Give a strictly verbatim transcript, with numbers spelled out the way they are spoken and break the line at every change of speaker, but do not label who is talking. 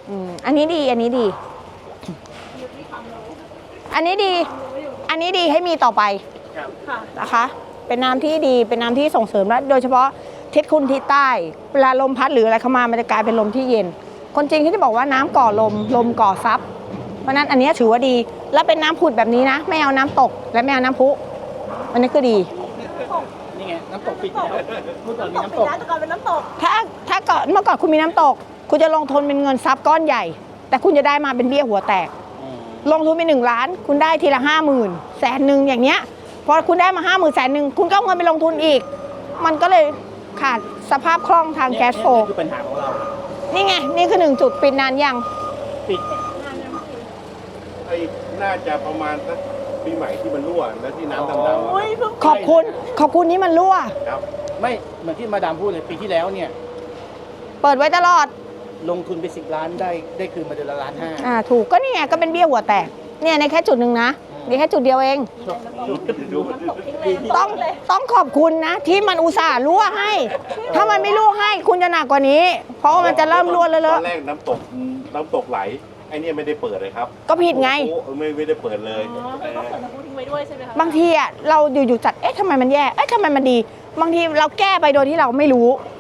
อืมอันนี้ดีอันนี้ดี อันนี้ดี อันนี้ดีให้มีต่อไปนะคะ เป็นน้ำที่ดีเป็นน้ำที่ส่งเสริมและโดยเฉพาะทิศคุณทิศใต้เวลาลมพัดหรืออะไรเข้ามามันจะกลายเป็นลมที่เย็น คนจริงที่จะบอกว่าน้ำก่อลมลมก่อซับเพราะนั้นอันนี้ถือว่าดีและเป็นน้ำผุดแบบนี้นะไม่เอาน้ำตกและไม่เอาน้ำพุอันนี้คือดี
นี่ไงน้ำตกปิดแล้วเมื่อก่อนมีน้ำตก
แต่ก่อนเป็นน้ำตก
ถ้าถ้าก่อนเมื่อก่อนคุณมีน้ำตก คุณจะลงทุนเป็นเงินทรัพย์ก้อนใหญ่ แต่คุณจะได้มาเป็นเบี้ยหัวแตก ลงทุนไปหนึ่งล้าน คุณได้ทีละห้าหมื่นแสนหนึ่งอย่างเนี้ยพอคุณได้มาห้าหมื่นแสนหนึ่งคุณก็เอาเงินไปลงทุนอีก มันก็เลยขาดสภาพคล่องทางแคชโฟล
นี่คือปัญหาของเรา
นี่ไง นี่คือหนึ่งจุดปิดนานยัง
ปิด
ไอ้น่าจะประมาณสักปีใหม่ที่มันรั่วแล้วที่น้ำดำๆอะ
อุ้ยเพิ่ง
ขอบคุณ ขอบคุณที่มันรั่ว
ครับ
ไม่เหมือนที่มาดามพูดเลยปีที่แล้วเนี่ย
เปิดไว้ตลอด
ลงทุนไปสิบล้านได้ได้คืนมาเดือนละล้านห้า
อ่าถูกก็นี่ไงก็เป็นเบี้ยหัวแตกเนี่ยในแค่จุดหนึ่งนะนี่แค่จุดเดียวเอง
ดู
ตกทิ้งเลย
ต้องต้องขอบคุณนะ ที่มันอุตส่าห์รั่วให้ ถ้ามันไม่รั่วให้คุณจะหนักกว่านี้ เพราะว่ามันจะเริ่มรั่วเล
ต
อะ
อนแรกน้ำตกน้ำตกไหลไอ้เนี่ยไม่ได้เปิดเลยครับ
ๆก็ผิดไง
โอ้โหไม่ไม่ได้เปิดเลย
อ๋อคือต้องเปิดน้ำพุทิ้งไว้ด้วยใช่ไหมคะ
บางทีอ่ะเราอยู่ๆจัดเอ๊ะทำไมมันแย่เอ๊ะทำไมมันดี บางทีเราแก้ไปโดยที่เราไม่รู้